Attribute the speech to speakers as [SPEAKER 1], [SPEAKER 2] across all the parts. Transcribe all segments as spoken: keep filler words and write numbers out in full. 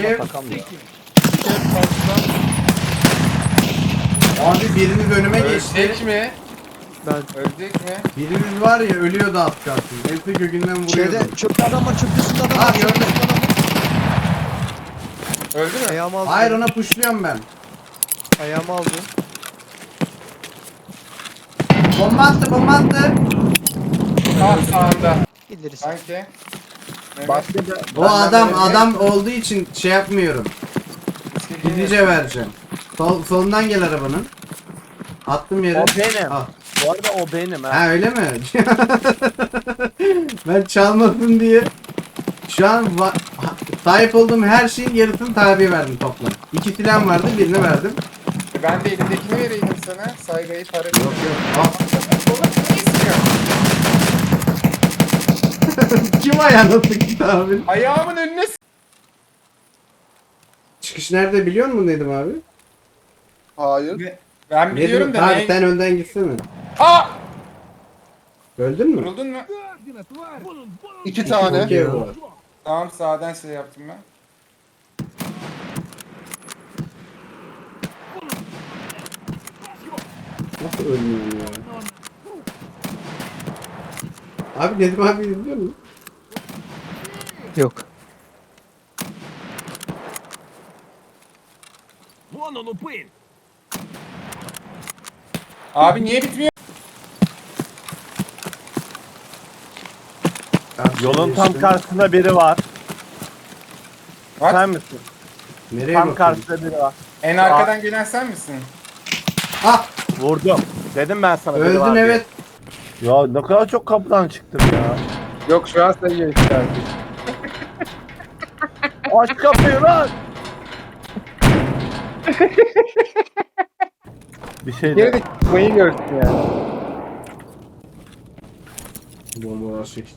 [SPEAKER 1] Kev.
[SPEAKER 2] takamıyor.
[SPEAKER 3] Kev karşıdan.
[SPEAKER 1] Abi biriniz önüme geçti.
[SPEAKER 3] Ölecek mi?
[SPEAKER 4] Ben
[SPEAKER 3] Ölecek mi?
[SPEAKER 1] Biriniz var ya ölüyordu az kalsın. Hepsi gökünden vuruyordu.
[SPEAKER 4] şeyde çöpte adam var, çöpte üstünde adam
[SPEAKER 1] Ha,
[SPEAKER 4] var.
[SPEAKER 1] gördüm.
[SPEAKER 4] Çöpte üstünde adam var.
[SPEAKER 3] Öldü mü?
[SPEAKER 4] Ayağımı aldı.
[SPEAKER 1] Hayır ona pushluyorum ben.
[SPEAKER 4] Ayağımı aldı.
[SPEAKER 1] Bomba attı bomba attı.
[SPEAKER 3] Ah sağında.
[SPEAKER 4] İleri.
[SPEAKER 3] Sanki. Evet.
[SPEAKER 2] Başka da
[SPEAKER 1] O adam adam olduğu için şey yapmıyorum. Gidice vereceğim. Sol, solundan gel arabanın. Attım yere.
[SPEAKER 2] O benim.
[SPEAKER 1] Al.
[SPEAKER 2] Bu arada o benim ha.
[SPEAKER 1] Ha öyle mi? Ben çalmasın diye. Şu an va- ha- sahip olduğum her şeyin yarısını tabi verdim toplam. İki silahım vardı birini verdim.
[SPEAKER 3] Ben de elimdekini vereyim sana. Saygıyı para
[SPEAKER 1] Yok yok. Al.
[SPEAKER 3] Oğlum ne istiyor?
[SPEAKER 1] Kim ayağına sıktı abi?
[SPEAKER 3] Ayağımın önüne s-
[SPEAKER 1] Çıkış nerede biliyor musun Nedim abi?
[SPEAKER 5] Hayır.
[SPEAKER 3] Ben biliyorum
[SPEAKER 1] Nedim
[SPEAKER 3] da
[SPEAKER 1] abi
[SPEAKER 3] ne?
[SPEAKER 1] sen önden gitsene.
[SPEAKER 3] Aa!
[SPEAKER 1] Öldün mü?
[SPEAKER 3] Vuruldun mu?
[SPEAKER 5] İki tane.
[SPEAKER 1] Okey bu.
[SPEAKER 3] Tamam sağdan şey yaptım ben.
[SPEAKER 1] Nasıl ölmüyorum ya? Abi Nedim abi izliyor musun?
[SPEAKER 4] Yok.
[SPEAKER 3] Abi niye bitmiyor?
[SPEAKER 2] Yolun tam karşısında biri var.
[SPEAKER 3] Bak
[SPEAKER 2] Sen misin?
[SPEAKER 1] Nereye
[SPEAKER 2] Tam
[SPEAKER 1] bakıyorsun?
[SPEAKER 2] karşısında biri var.
[SPEAKER 3] en arkadan gelen sen misin?
[SPEAKER 1] Ah
[SPEAKER 2] Vurdum. Dedim ben sana biri
[SPEAKER 1] öldün
[SPEAKER 2] var diye.
[SPEAKER 1] evet.
[SPEAKER 2] Ya ne kadar çok kapıdan çıktım ya.
[SPEAKER 3] Yok şu an sayıyor işte artık.
[SPEAKER 2] Aç kapıyı lan. Bir şey
[SPEAKER 3] Geri
[SPEAKER 2] de.
[SPEAKER 3] de çıkmayı görsün yani.
[SPEAKER 1] Bombalar çekti.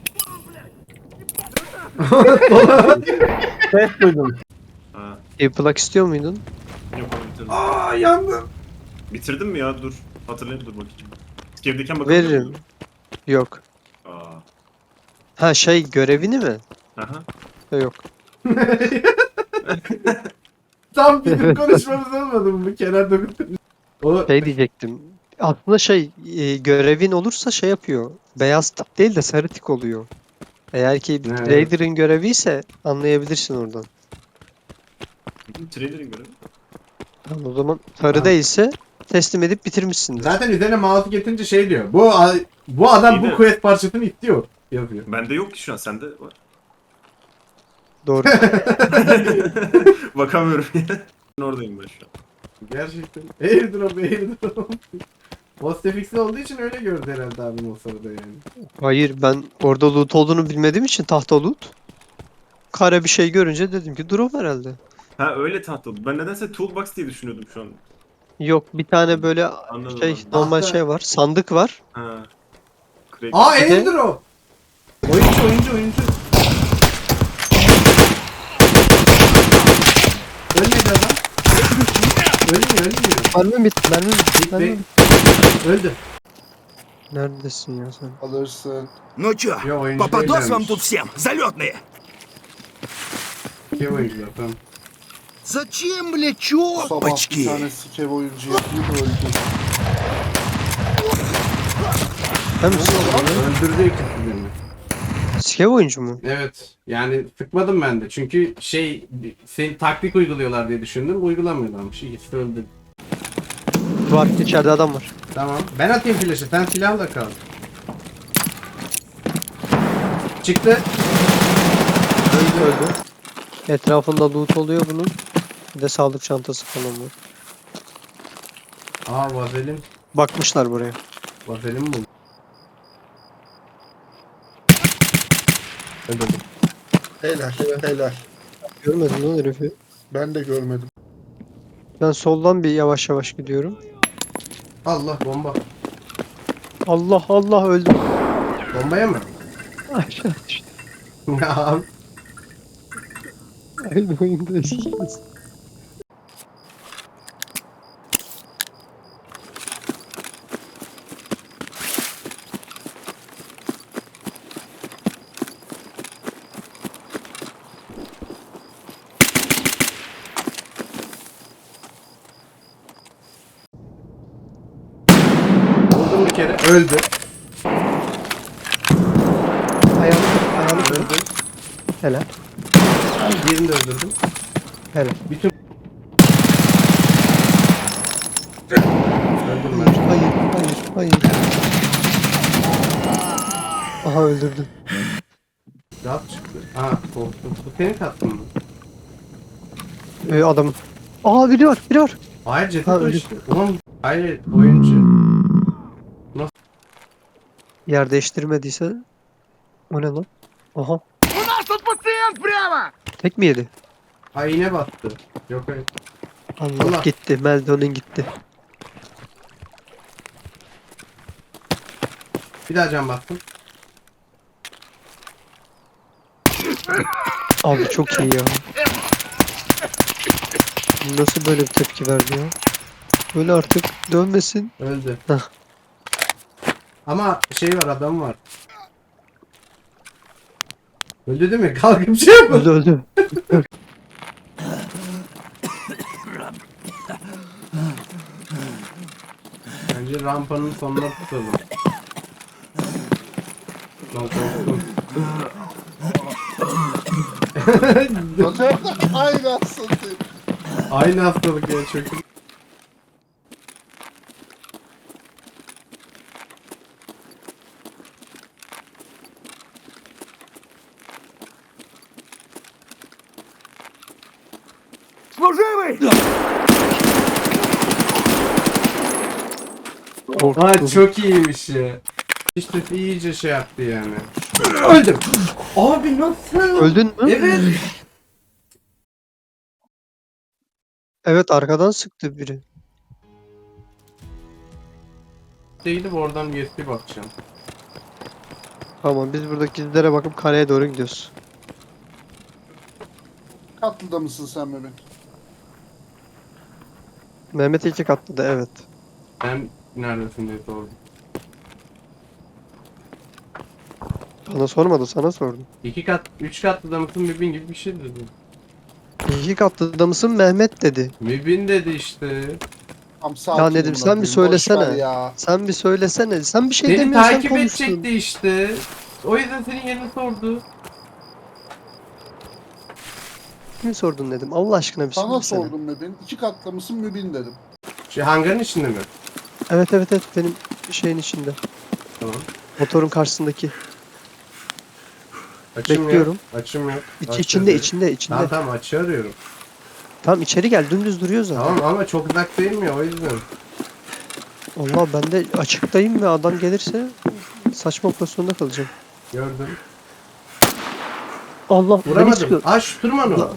[SPEAKER 2] Ses duydum.
[SPEAKER 6] Ha,
[SPEAKER 4] E plak istiyor muydun?
[SPEAKER 6] yok onu bitirdim.
[SPEAKER 1] Aa yandım.
[SPEAKER 6] Bitirdim mi ya? Dur. Hatırlayayım dur bakayım. Skevdeyken bakalım.
[SPEAKER 4] Veririm. Yok.
[SPEAKER 6] Aa.
[SPEAKER 4] Ha şey görevini mi?
[SPEAKER 6] Aha.
[SPEAKER 4] Yok.
[SPEAKER 1] Tam bizim konuşmamız olmadı mı bu kenarda bir O
[SPEAKER 4] Şey diyecektim. Aslında şey e, görevin olursa şey yapıyor. Beyaz tik değil de sarı tik oluyor. Eğer ki
[SPEAKER 1] Evet.
[SPEAKER 4] Trader'ın görevi ise anlayabilirsin oradan.
[SPEAKER 6] Trader'in görevi.
[SPEAKER 4] Yani o zaman sarı değilse teslim edip bitirmişsindir.
[SPEAKER 1] zaten üzerine mouse getirince şey diyor. Bu a- bu adam
[SPEAKER 6] İyi
[SPEAKER 1] bu
[SPEAKER 6] de-
[SPEAKER 1] quest parçasını istiyor yazıyor.
[SPEAKER 6] Bende yok ki şu an. Sende var.
[SPEAKER 4] Doğru.
[SPEAKER 6] Bakamıyorum ya. Oradayım ben şu an.
[SPEAKER 1] Gerçekten. Airdrop airdrop. Postfix'li olduğu için öyle gördü herhalde abim o sırada yani.
[SPEAKER 4] Hayır ben orada loot olduğunu bilmediğim için tahta loot. Kare bir şey görünce dedim ki drop herhalde.
[SPEAKER 6] Ha öyle tahta oldu. Ben nedense toolbox diye düşünüyordum şu an.
[SPEAKER 4] Yok bir tane böyle
[SPEAKER 6] Anladım,
[SPEAKER 4] şey
[SPEAKER 6] anladım.
[SPEAKER 4] normal
[SPEAKER 1] Tahta.
[SPEAKER 4] şey var. Sandık var.
[SPEAKER 6] Ha. Crack.
[SPEAKER 1] Aa
[SPEAKER 4] Bir de-
[SPEAKER 1] airdrop. Oyuncu oyuncu oyuncu. Ölmedi adam. Ölmüyor ölmüyor.
[SPEAKER 4] Mermi bitti. Mermi bitti. Mermi
[SPEAKER 1] Be-
[SPEAKER 4] bitti.
[SPEAKER 1] Öldü.
[SPEAKER 4] Neredesin ya sen?
[SPEAKER 5] Alırsın.
[SPEAKER 7] Ну чё,
[SPEAKER 1] Yo oyuncu
[SPEAKER 7] попадос вам
[SPEAKER 1] değillermiş.
[SPEAKER 7] тут всем, залетные?
[SPEAKER 1] Kim oyuncu tamam.
[SPEAKER 7] Зачем, бля,
[SPEAKER 5] Sabah bir
[SPEAKER 7] чопочки?
[SPEAKER 5] tane sikev oyuncu yapayım öldü.
[SPEAKER 4] Sen misin?
[SPEAKER 1] Öldürdü ikisini.
[SPEAKER 4] Skev oyuncu mu?
[SPEAKER 1] Evet. Yani sıkmadım ben de. Çünkü şey senin taktik uyguluyorlar diye düşündüm. Uygulamıyorlarmış. İkisi de öldü.
[SPEAKER 4] Var. İçeride adam var.
[SPEAKER 1] Tamam. Ben atayım flash'ı. Sen silahla kal. Çıktı.
[SPEAKER 4] Öldü öldü. Etrafında loot oluyor bunun. Bir de sağlık çantası falan var.
[SPEAKER 1] Aa vazelin.
[SPEAKER 4] Bakmışlar buraya.
[SPEAKER 1] Vazelin mi buldum? Öldürdüm.
[SPEAKER 5] Helal helal.
[SPEAKER 4] Görmedin lan herifi.
[SPEAKER 5] Ben de görmedim.
[SPEAKER 4] Ben soldan bir yavaş yavaş gidiyorum.
[SPEAKER 1] Allah bomba.
[SPEAKER 4] Allah Allah öldüm.
[SPEAKER 1] Bombaya mı?
[SPEAKER 4] Aşağı düştüm.
[SPEAKER 1] Ya abi.
[SPEAKER 4] Aynı oyundayız.
[SPEAKER 1] Öldü.
[SPEAKER 4] Ayağını ayağını kır.
[SPEAKER 1] Öldü.
[SPEAKER 4] Helal.
[SPEAKER 1] Birini de öldürdüm.
[SPEAKER 4] Helal.
[SPEAKER 1] Bütün... Öldüm ben.
[SPEAKER 4] Hayır, hayır, hayır. Aha öldürdüm.
[SPEAKER 1] Rahat çıktı. Aa korktum. Bu senin kattın mı?
[SPEAKER 4] Ee, adamın. Aa biri var, biri var.
[SPEAKER 1] Hayır ceset
[SPEAKER 4] Ha,
[SPEAKER 1] o
[SPEAKER 4] öldü.
[SPEAKER 1] işte. Ulan hayır oyuncu.
[SPEAKER 4] Yer değiştirmediyse. O ne lan? Aha.
[SPEAKER 7] У нас тут пациент прямо!
[SPEAKER 4] Tek mi yedi?
[SPEAKER 1] Ay iğne battı. Yok hayır.
[SPEAKER 4] Allah,
[SPEAKER 1] Allah.
[SPEAKER 4] gitti. Meldon'un gitti.
[SPEAKER 1] Bir daha can battım.
[SPEAKER 4] Abi çok iyi ya. Nasıl böyle bir tepki verdi ya? Böyle artık dönmesin.
[SPEAKER 1] Öldü.
[SPEAKER 4] Hah.
[SPEAKER 1] Ama şey var adam var. Öldü değil mi? Kalkıp şey yapın.
[SPEAKER 4] Öldü öldü.
[SPEAKER 1] Bence rampanın sonuna tutalım. Lan korktum.
[SPEAKER 5] Aynı aslında.
[SPEAKER 1] Aynı hastalık ya çok.
[SPEAKER 7] Служивый!
[SPEAKER 1] Ha çok iyiymiş ya. İşte iyice şey yaptı yani. Öldüm. Abi nasıl?
[SPEAKER 4] Öldün mü?
[SPEAKER 1] Evet.
[SPEAKER 4] Evet, arkadan sıktı biri.
[SPEAKER 1] Gidip oradan U S B bakacağım.
[SPEAKER 4] Tamam, biz buradaki izlere bakıp kaleye doğru gidiyoruz.
[SPEAKER 5] Katlıda mısın sen Mehmet?
[SPEAKER 4] Mehmet iki katlı da evet.
[SPEAKER 1] Ben neredesin diye sordum.
[SPEAKER 4] Bana sormadı, sana sordum.
[SPEAKER 1] İki kat, üç katlı da mısın mübin gibi bir şey dedi.
[SPEAKER 4] İki katlı da mısın Mehmet dedi.
[SPEAKER 1] Mübin dedi işte.
[SPEAKER 5] Tam sakin
[SPEAKER 4] Ya Nedim,
[SPEAKER 5] amına
[SPEAKER 4] sen bir
[SPEAKER 5] koyayım, boş
[SPEAKER 4] söylesene.
[SPEAKER 5] ver Ya.
[SPEAKER 4] Sen bir söylesene. Sen bir şey
[SPEAKER 1] Seni
[SPEAKER 4] demiyorsan
[SPEAKER 1] takip
[SPEAKER 4] konuşsun.
[SPEAKER 1] edecekti işte. O yüzden senin yerini sordu.
[SPEAKER 4] Kim sordun dedim. Allah aşkına bir
[SPEAKER 5] Sana
[SPEAKER 4] söylesene.
[SPEAKER 5] sordum Mehmet. İki katlı mısın mübin dedim.
[SPEAKER 1] Şey hangarın içinde mi?
[SPEAKER 4] Evet evet evet, benim şeyin içinde.
[SPEAKER 1] Tamam.
[SPEAKER 4] Motorun karşısındaki.
[SPEAKER 1] Açım
[SPEAKER 4] Bekliyorum.
[SPEAKER 1] Yok. Açım yok.
[SPEAKER 4] İç,
[SPEAKER 1] Aç
[SPEAKER 4] içinde
[SPEAKER 1] dedi.
[SPEAKER 4] içinde içinde.
[SPEAKER 1] Tamam
[SPEAKER 4] Tamam.
[SPEAKER 1] tamam açı arıyorum.
[SPEAKER 4] içeri gel, dümdüz duruyor zaten.
[SPEAKER 1] Tamam ama çok uzak değil mi ya o yüzden.
[SPEAKER 4] Allah, ben de açıktayım ve adam gelirse saçma pozisyonda kalacağım.
[SPEAKER 1] Gördüm.
[SPEAKER 4] Allah, beni
[SPEAKER 1] Vuramadım.
[SPEAKER 4] sıkıyor.
[SPEAKER 1] Aa şu tırman o.
[SPEAKER 4] Allah.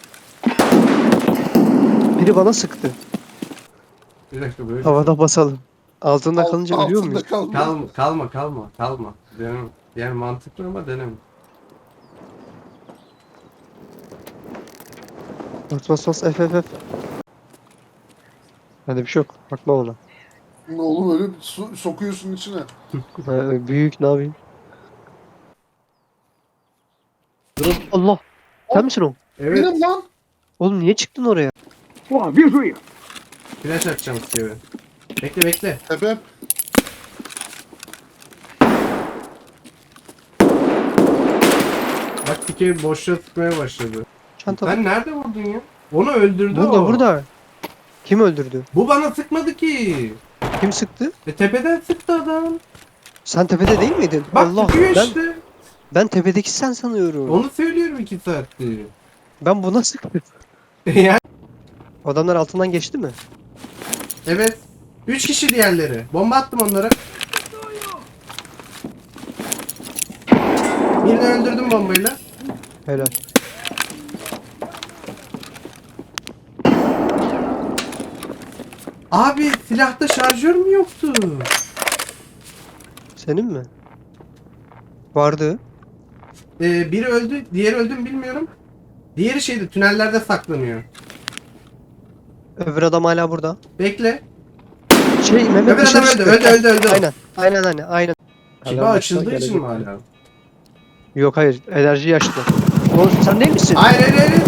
[SPEAKER 4] Biri bana sıktı.
[SPEAKER 1] Bir dakika böyle.
[SPEAKER 4] Havada basalım. Altında
[SPEAKER 5] Alt-
[SPEAKER 4] kalınca ölüyor
[SPEAKER 5] altında
[SPEAKER 4] muyuz?
[SPEAKER 5] kalma.
[SPEAKER 1] Kalma kalma kalma kalma. Deneme. Yani mantıklı ama deneme.
[SPEAKER 4] Bas bas bas F F F. Hadi bir şey yok. Bakma ona.
[SPEAKER 5] Oğlum öyle bir su- sokuyorsun içine.
[SPEAKER 4] Ee, büyük, ne yapayım? Durun. Allah. Sen misin o?
[SPEAKER 1] Evet.
[SPEAKER 5] Benim lan.
[SPEAKER 4] Oğlum niye çıktın oraya?
[SPEAKER 7] О, вижу их!
[SPEAKER 1] Flash atacağım Steve'e. Bekle bekle.
[SPEAKER 5] Sebep.
[SPEAKER 1] Bak Steve boşluğa sıkmaya başladı.
[SPEAKER 4] Çantada.
[SPEAKER 1] Sen nerede vurdun ya? Onu öldürdü
[SPEAKER 4] Burada
[SPEAKER 1] o.
[SPEAKER 4] burada. Kim öldürdü?
[SPEAKER 1] Bu bana sıkmadı ki.
[SPEAKER 4] Kim sıktı?
[SPEAKER 1] E tepeden sıktı adam.
[SPEAKER 4] Sen tepede değil miydin?
[SPEAKER 1] Bak
[SPEAKER 4] Allah.
[SPEAKER 1] sıkıyor
[SPEAKER 4] Ben,
[SPEAKER 1] işte.
[SPEAKER 4] ben tepedeki sen sanıyorum.
[SPEAKER 1] Onu söylüyorum iki saattir.
[SPEAKER 4] Ben buna sıktım.
[SPEAKER 1] yani.
[SPEAKER 4] Adamlar altından geçti mi?
[SPEAKER 1] Evet. Üç kişi diğerleri. Bomba attım onlara. Birini öldürdüm bombayla.
[SPEAKER 4] Helal.
[SPEAKER 1] Abi silahta şarjör mü yoktu?
[SPEAKER 4] Senin mi? Vardı.
[SPEAKER 1] Ee, biri öldü, diğeri öldü mü bilmiyorum. Diğeri şeydi, tünellerde saklanıyor.
[SPEAKER 4] Öbür adam hala burada.
[SPEAKER 1] Bekle.
[SPEAKER 4] Şey Mehmet
[SPEAKER 1] Öbür
[SPEAKER 4] dışarı
[SPEAKER 1] adam öldü,
[SPEAKER 4] çıktı.
[SPEAKER 1] öldü, öldü, öldü.
[SPEAKER 4] Aynen. Aynen aynen aynen.
[SPEAKER 1] Kiba
[SPEAKER 4] Hala
[SPEAKER 1] açıldığı
[SPEAKER 4] başına
[SPEAKER 1] için mi
[SPEAKER 4] gelecek.
[SPEAKER 1] hala?
[SPEAKER 4] Yok hayır, enerji yaşlı. Oğlum sen değil misin?
[SPEAKER 1] Hayır, hayır, hayır.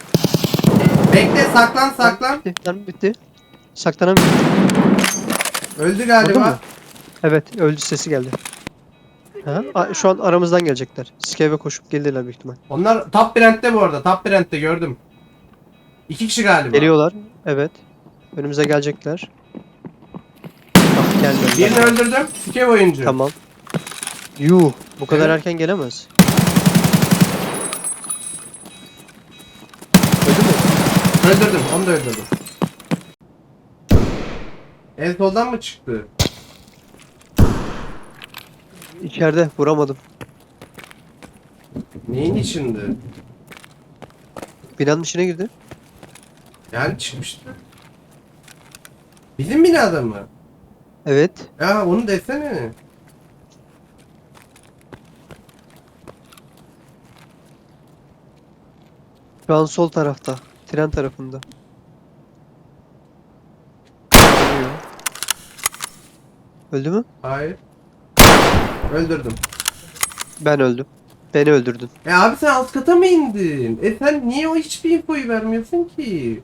[SPEAKER 1] Bekle, saklan, saklan.
[SPEAKER 4] Bitti. Tamam, bitti. Saklanamıyorum.
[SPEAKER 1] Öldü
[SPEAKER 4] Vurdun
[SPEAKER 1] galiba.
[SPEAKER 4] mu? Evet, öldü sesi geldi. Ha? A- Şu an aramızdan gelecekler. Skeve koşup gelirler büyük ihtimal.
[SPEAKER 1] Onlar top brand'te bu arada. Top brand'te gördüm. İki kişi galiba.
[SPEAKER 4] Geliyorlar. Evet. Önümüze gelecekler. Bak geldiler.
[SPEAKER 1] Birini öldürdüm. Skev oyuncu.
[SPEAKER 4] Tamam. Yuh. Bu kadar
[SPEAKER 1] Evet.
[SPEAKER 4] erken gelemez. Öldü mü?
[SPEAKER 1] Öldürdüm. Onu da öldürdüm. En soldan mı çıktı?
[SPEAKER 4] İçeride. Vuramadım.
[SPEAKER 1] Neyin içinde?
[SPEAKER 4] Binanın içine girdi.
[SPEAKER 1] Yani çıkmıştı. Bizim binada mı?
[SPEAKER 4] Evet.
[SPEAKER 1] Ya onu desene.
[SPEAKER 4] Şu an sol tarafta. Tren tarafında. Geliyor. Öldü mü?
[SPEAKER 1] Hayır. Öldürdüm.
[SPEAKER 4] Ben öldüm. Beni öldürdün.
[SPEAKER 1] E abi sen alt kata mı indin? E sen niye o hiçbir infoyu vermiyorsun ki?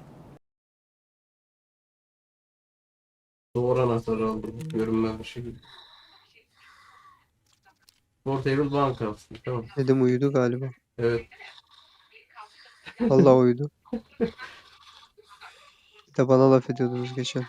[SPEAKER 1] Doğru anahtarı aldım. Görünmez bir şekilde. Portable bank alsın. Tamam.
[SPEAKER 4] Dedim uyudu galiba.
[SPEAKER 1] Evet.
[SPEAKER 4] Vallahi uyudu. Bir de bana laf ediyordunuz geçen.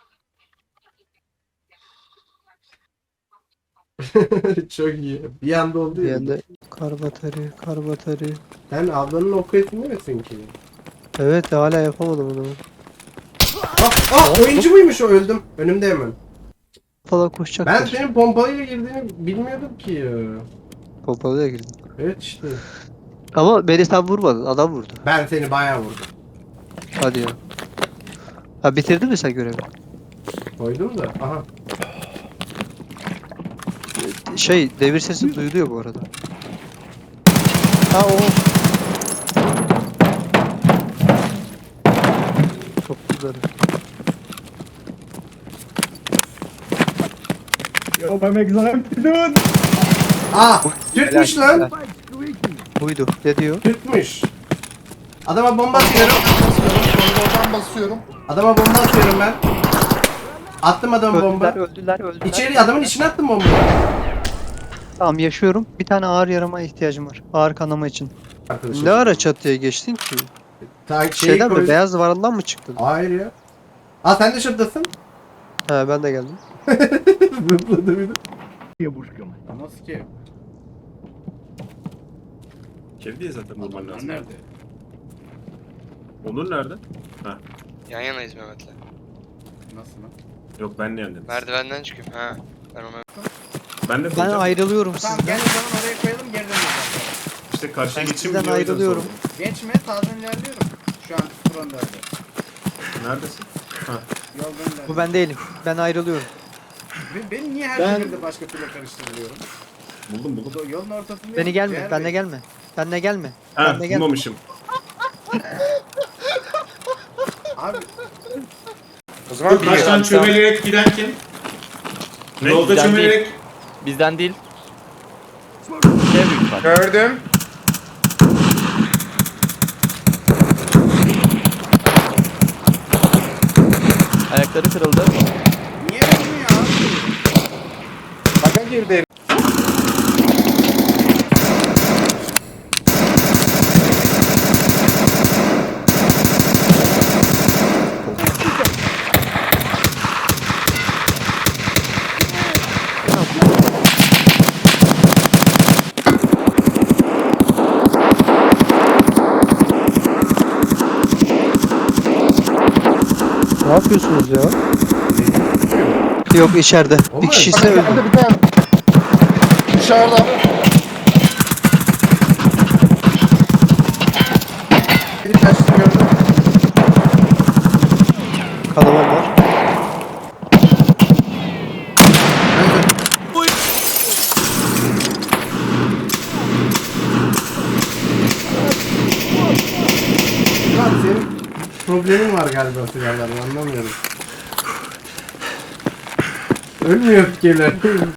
[SPEAKER 1] Çok iyi. Bir anda oldu
[SPEAKER 4] Bir
[SPEAKER 1] ya.
[SPEAKER 4] yanda kar batarya, kar batarya.
[SPEAKER 1] Sen ablanın oku etini misin ki?
[SPEAKER 4] Evet hala yapamadım onu.
[SPEAKER 1] Ah, ah oyuncu muymuş o, öldüm. Önümde hemen.
[SPEAKER 4] Falan koşacaklar.
[SPEAKER 1] Ben senin pompalıyla girdiğini bilmiyordum ki ya.
[SPEAKER 4] Pompalıya girdim.
[SPEAKER 1] Evet işte.
[SPEAKER 4] Ama beni sen vurmadın. Adam vurdu.
[SPEAKER 1] Ben seni bayağı vurdum.
[SPEAKER 4] Hadi ya. Ha bitirdin mi sen görevi?
[SPEAKER 1] Koydum da. Aha.
[SPEAKER 4] Şey devir sesi duyuluyor bu arada. Ha o. Çok güzel.
[SPEAKER 1] Ah! Türkmüş
[SPEAKER 4] Helal,
[SPEAKER 1] lan.
[SPEAKER 4] helal. Buydu. Ne diyor?
[SPEAKER 1] Türkmüş. Adama bomba atıyorum.
[SPEAKER 5] Basıyorum. Koridordan basıyorum.
[SPEAKER 1] Adama bomba atıyorum ben. Attım adama bomba.
[SPEAKER 4] Öldüler, öldüler, öldüler.
[SPEAKER 1] İçeri adamın içine attım bombayı.
[SPEAKER 4] Tamam yaşıyorum. Bir tane ağır yarama ihtiyacım var. Ağır kanama için.
[SPEAKER 1] Arkadaşım.
[SPEAKER 4] Ne ara çatıya geçtin ki?
[SPEAKER 1] Ta şeyi
[SPEAKER 4] Şeyden
[SPEAKER 1] koy-
[SPEAKER 4] mi? Beyaz duvarından mı çıktın?
[SPEAKER 1] Hayır ya. Aa sen de şuradasın.
[SPEAKER 4] He ben de geldim.
[SPEAKER 1] Zıpladı bir de.
[SPEAKER 7] Девушкам.
[SPEAKER 1] Nasıl ki?
[SPEAKER 6] Kev diye zaten bulman
[SPEAKER 7] Adamlar
[SPEAKER 6] lazım.
[SPEAKER 7] nerede?
[SPEAKER 6] Onur nerede?
[SPEAKER 8] Yan yanayız Mehmet'le.
[SPEAKER 1] Nasıl lan?
[SPEAKER 6] Yok ben ne yandım?
[SPEAKER 8] Merdivenden çıkıyorum. Ha. Ben ona
[SPEAKER 6] Ben de
[SPEAKER 4] Ben
[SPEAKER 6] koyacağım.
[SPEAKER 4] ayrılıyorum
[SPEAKER 3] Tamam
[SPEAKER 4] sizden.
[SPEAKER 3] gel o zaman oraya koyalım geri dönüyoruz.
[SPEAKER 6] İşte karşıya
[SPEAKER 4] Ben
[SPEAKER 6] geçeyim
[SPEAKER 4] sizden
[SPEAKER 6] diye o yüzden
[SPEAKER 4] ayrılıyorum.
[SPEAKER 6] sordum.
[SPEAKER 3] Geçme sağdan ilerliyorum. Şu an fronda.
[SPEAKER 6] Neredesin?
[SPEAKER 3] Yoldan ilerliyorum.
[SPEAKER 4] Bu ben değilim. Ben ayrılıyorum.
[SPEAKER 3] Be- Beni niye her
[SPEAKER 2] Ben-
[SPEAKER 3] seferinde başka türlü karıştırılıyorum?
[SPEAKER 6] Buldum buldum.
[SPEAKER 3] Bu yolun ortasında.
[SPEAKER 4] Beni gelme. Benle gelme. Benle gelme.
[SPEAKER 6] Ha
[SPEAKER 4] Benle gelme.
[SPEAKER 6] bulmamışım.
[SPEAKER 3] Abi
[SPEAKER 9] O zaman
[SPEAKER 10] Taştan çömelerek giden kim?
[SPEAKER 6] Ne?
[SPEAKER 10] Yolda
[SPEAKER 9] Bizden
[SPEAKER 10] çömelerek
[SPEAKER 9] bizden değil. Şey büyük ihtimal.
[SPEAKER 3] gördüm.
[SPEAKER 9] Ayakları kırıldı.
[SPEAKER 3] Niye vurmuyor abi? Baka girdi.
[SPEAKER 4] Ne yapıyorsunuz ya? Yok içeride.
[SPEAKER 1] O
[SPEAKER 4] Bir
[SPEAKER 1] mu?
[SPEAKER 4] kişi ise öldü.
[SPEAKER 5] Geldi bir tane. Dışarıda.
[SPEAKER 1] Biri kaçtı gördüm.
[SPEAKER 4] Kanamam var.
[SPEAKER 1] Öldüm. Lan senin problemin var galiba silahlarla, anlamıyorum. Ölmüyor fikirler.